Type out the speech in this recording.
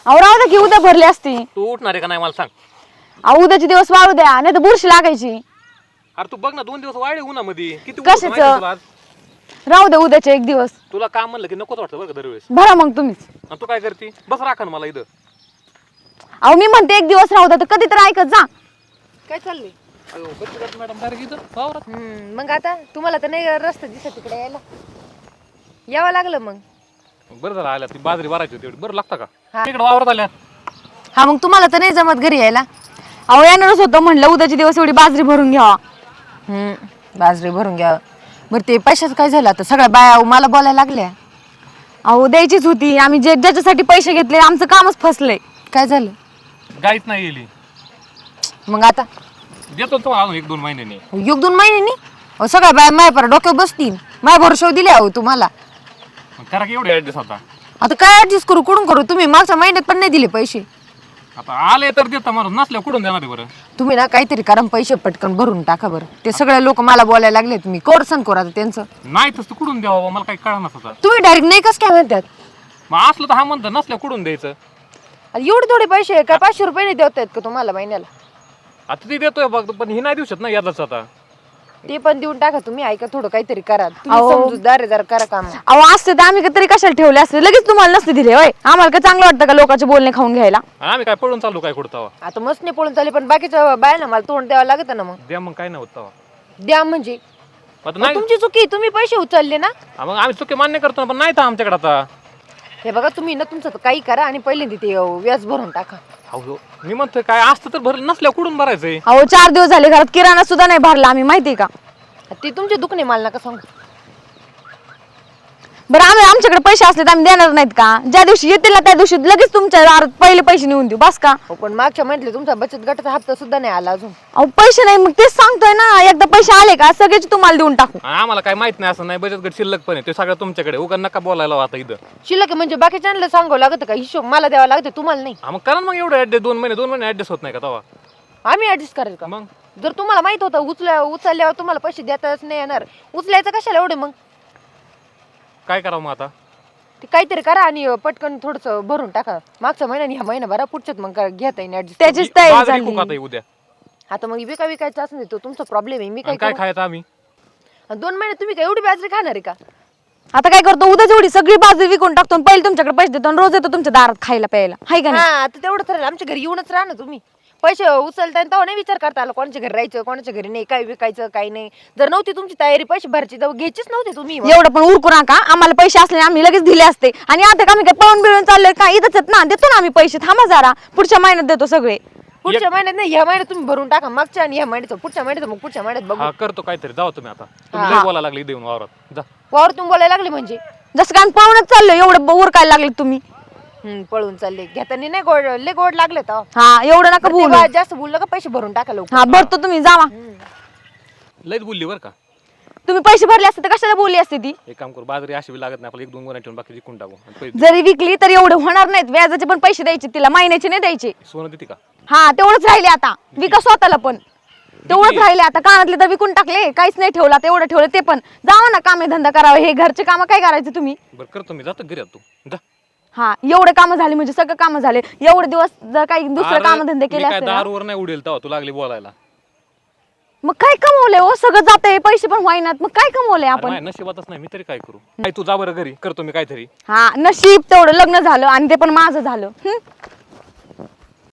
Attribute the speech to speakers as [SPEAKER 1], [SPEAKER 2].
[SPEAKER 1] अहो राहू द्या की उद्या भरली असती.
[SPEAKER 2] तू उठणार आहे का नाही मला सांग.
[SPEAKER 1] अहो उद्याचे दिवस वाळू द्या नाही तर बुरशी लागायची.
[SPEAKER 2] अरे तू बघ ना 2 दिवस वाढले उन्हामध्ये किती ऊन
[SPEAKER 1] कशाचं?
[SPEAKER 2] होतं माहिती तुला आज?
[SPEAKER 1] राहू द्या उद्याचे एक दिवस.
[SPEAKER 2] तुला काम म्हणलं की नकोच वाटतं बरं का दरवेळेस.
[SPEAKER 1] भरा मग तुम्हीच.
[SPEAKER 2] आणि तू काय करते बस राखा ना मला इथं.
[SPEAKER 1] अहो मी म्हणते एक दिवस राहू द्या तर कधी तर ऐकत जा.
[SPEAKER 3] काय चाललंय?
[SPEAKER 2] मॅडम डायरेक्ट इथं वावरात.
[SPEAKER 3] मग आता तुम्हाला तर नाही रस्ता दिसत तिकडे यायला, यावं लागलं मग.
[SPEAKER 2] बरं झालं आल्या ती बाजरी भरायची होती एवढी. बरं लागतं
[SPEAKER 3] हा.
[SPEAKER 2] का इकडे वावरात आल्या.
[SPEAKER 3] हा मग तुम्हाला तर नाही जमत घरी यायला.
[SPEAKER 1] अहो येणारच होतं म्हणलं उद्याचे दिवस एवढी बाजरी भरून घ्यावा.
[SPEAKER 3] बाजरी भरून घ्या. बरं ते पैशाचं काय झालं आता? सगळ्या बाया मला बोलायला लागल्या.
[SPEAKER 1] अहो द्यायचीच होती. आम्ही ज्याच्यासाठी पैसे घेतले आमचं कामच फसलंय.
[SPEAKER 3] काय झालं
[SPEAKER 2] गाईच नाही गेली.
[SPEAKER 3] मग आता?
[SPEAKER 2] देतो तुम्हाला अजून 1-2 महिन्याने.
[SPEAKER 3] 1-2 महिन्यांनी? अहो सगळ्या बाया माया पर डोक्यावर बसतील. माझ्या भरोशावर दिले अहो तुम्हाला.
[SPEAKER 2] मग करा की एवढे ऍडजस्ट होता.
[SPEAKER 3] आता काय ऍडजस्ट करू कुठून करू? तुम्ही मागच्या महिन्यात पण नाही दिले पैसे.
[SPEAKER 2] आता आले तर देता माणूस नसल्या कुठून देणार आहे बरं.
[SPEAKER 3] तुम्ही ना काहीतरी कारण पैसे पटकन भरून टाका बरं. ते सगळे लोक मला बोलायला लागले तुम्ही कोर्सन करू आता त्यांचं.
[SPEAKER 2] नाही तसं कुठून द्यावं मला काही कळणार होता.
[SPEAKER 3] तुम्ही डायरेक्ट नाही कस काय म्हणतात?
[SPEAKER 2] मग असलं तर हा म्हणतं नसल्या कुठून द्यायचं.
[SPEAKER 3] एवढे थोडे पैसे काय 500 रुपये नाही देत आहेत का तुम्हाला महिन्याला?
[SPEAKER 2] आता ती देतोय बघ पण ही नाही देऊ शकत ना यादाच आता.
[SPEAKER 3] ते पण देऊन टाका तुम्ही. ऐका थोडं काहीतरी करा तुम्ही.
[SPEAKER 1] अहो.
[SPEAKER 3] समजूतदार आहे जरा करा काम.
[SPEAKER 1] अहो असते तर आम्ही तरी कशाला ठेवले असते. लगेच तुम्हाला नसते दिले होय. आम्हाला काय चांगलं वाटतं का लोकांचे बोलणे खाऊन घ्यायला?
[SPEAKER 2] आम्ही काय पळून चालू काय कुठं तवा.
[SPEAKER 3] आता मस्त नाही पळून चालले पण बाकीच्या बायांना मला तोंड द्यावं लागत ना. मग
[SPEAKER 2] द्या मग काय नाही होत तवा.
[SPEAKER 3] द्या म्हणजे
[SPEAKER 2] आता
[SPEAKER 3] मग
[SPEAKER 2] नाही
[SPEAKER 3] तुमची चुकी. तुम्ही पैसे उचलले ना.
[SPEAKER 2] हा, मग आम्ही चुकी मान्य करतो ना पण नाही तर आमच्याकडे आता.
[SPEAKER 3] हे बघा तुम्ही ना तुमचं तर काही करा आणि पहिल्यांदा ते व्याज भरून टाका.
[SPEAKER 2] हो मी म्हणतोय काय असतं तर भरलं नसल्या कुठून भरायचंय.
[SPEAKER 1] अहो 4 दिवस झाले घरात किराणा सुद्धा नाही भरला आम्ही माहितीये का.
[SPEAKER 3] ते तुमचे दुखणे मला नका सांगू.
[SPEAKER 1] बरं आमच्याकडे पैसे असले तर आम्ही देणार नाहीत का? ज्या दिवशी येतील ना त्या दिवशी लगेच तुमच्या दारात पहिले पैसे नेऊन देऊ बस का.
[SPEAKER 3] हो, पण मागच्या म्हटले तुमचा बचत गटाचा हप्ता सुद्धा नाही आला अजून.
[SPEAKER 1] अहो पैसे नाही मग तेच सांगतोय ना. एकदा पैसे आले का सगळेच तुम्हाला देऊन टाकू.
[SPEAKER 2] आणि आम्हाला काय माहित नाही असं नाही बचत गट शिल्लक पण आहे ते सगळं तुमच्याकडे उगा नका बोलायला आता इथं.
[SPEAKER 3] शिल्लक म्हणजे बाकीच्यांना सांगावं लागतं का? हिशोब मला द्यावा लागतं तुम्हाला नाही.
[SPEAKER 2] हा, मग करा मग एवढं ऍडजस्ट 2 महिने ऍडजस्ट होत नाही का तवा.
[SPEAKER 3] आम्ही ऍडजस्ट करेल का?
[SPEAKER 2] मग
[SPEAKER 3] जर तुम्हाला माहित होतं उचलल्यावर तुम्हाला पैसे देताच नाही येणार, उचलायचं कशाला एवढे? मग
[SPEAKER 2] काय करावं मग आता.
[SPEAKER 3] ते काहीतरी करा आणि पटकन थोडस भरून टाका. मागच्या महिन्याने ह्या महिना भरा पुढच्यात मग घेता येईल ऍडजस्ट.
[SPEAKER 1] त्याचीच तयारी
[SPEAKER 2] बाजरी
[SPEAKER 1] झाली.
[SPEAKER 2] खूप आता उद्या.
[SPEAKER 3] आता मग विकायचं असं नाही तो तुमचा प्रॉब्लेम आहे. मी
[SPEAKER 2] आणि काय खायचं आम्ही.
[SPEAKER 3] 2 महिने तुम्ही काय एवढी बाजरी खाणार आहे का?
[SPEAKER 1] आता काय करतो उद्या जेवढी सगळी बाजरी विकून टाकतो आणि पहिले तुमच्याकडे पैसे देतो आणि रोज येतो तुमच्या दारात खायला प्यायला हाय का नाही.
[SPEAKER 3] हा आता तेवढं ठरेल. आमच्या घरी येऊनच राहा ना तुम्ही. पैसे उचलता तेव्हा नाही विचार करता आला कोणाच्या घरी राहायचं कोणाच्या घरी नाही, काय विकायचं काय नाही. जर नव्हती तुमची तयारी पैसे भरायची तर घ्यायचीच नव्हते तुम्ही.
[SPEAKER 1] एवढं पण उरकू नका. आम्हाला पैसे असले आम्ही लगेच दिले असते. आणि आता का आम्ही काय पळून बिळून चाललोय का? इथंच आहेत ना. देतो ना आम्ही पैसे. थांबा जरा पुढच्या महिन्यात देतो सगळे.
[SPEAKER 3] पुढच्या महिन्यात नाही ह्या महिन्यात तुम्ही भरून टाका. मागच्या आणि ह्या महिन्यात पुढच्या महिन्यात मग पुढच्या महिन्यात बघू.
[SPEAKER 2] हा करतो काहीतरी जाऊ तुम्ही आता. तुम्ही लय बोलायला लागले देऊन वावरात जा.
[SPEAKER 3] वावर तुम्ही बोलायला लागले म्हणजे
[SPEAKER 1] जसं काय आम्ही पळूनच चाललोय. एवढं उरकायला लागले तुम्ही.
[SPEAKER 3] पळून चालले. घेताना नाही गोड लय गोड लागले तर
[SPEAKER 1] हा एवढं नका बोलू.
[SPEAKER 3] जास्त बोललं का पैसे भरून टाका लवकर.
[SPEAKER 1] हा भरतो तुम्ही जावा.
[SPEAKER 2] लयच बोलली बरं का.
[SPEAKER 1] तुम्ही पैसे भरले असते तर कशाला बोलली असते ती.
[SPEAKER 2] एक काम करू बाजरी अशी बी लागत नाही आपल्याला 1-2 गोण्या ठेवून बाकी विकून टाकू आणि पैसे
[SPEAKER 1] जरी विकली तरी एवढं होणार नाहीत. व्याजाचे पण पैसे द्यायचे तिला. महिन्याचे नाही द्यायचे.
[SPEAKER 2] सोनं देते का.
[SPEAKER 1] हा तेवढंच राहिले आता. विका स्वतःला पण तेवढंच राहिले आता. कानातले तर विकून टाकले. काहीच नाही ठेवला. तेवढं ठेवलं ते पण. जावा ना कामे धंदा करावा. हे घरचे काम काय करायचे तुम्ही.
[SPEAKER 2] बरं करतो मी जातो घरी आता तू जा.
[SPEAKER 1] हा एवढे काम झाले म्हणजे सगळं काम झाले. एवढे दिवस जर काही दुसरं काम धंदे केले
[SPEAKER 2] काय
[SPEAKER 1] असते ना,
[SPEAKER 2] दारूवर नाही उडेल तेव्हा तू लागली बोलायला.
[SPEAKER 1] मग काय कमवले हो. सगळं जाते पैसे पण होईनात. मग काय कमवले आपण.
[SPEAKER 2] नाही नशिबातच नाही मी तरी काय करू. काय तू जा बरं घरी करतो मी काहीतरी.
[SPEAKER 1] हा नशीब तेवढं लग्न झालं आणि ते पण माझं झालं.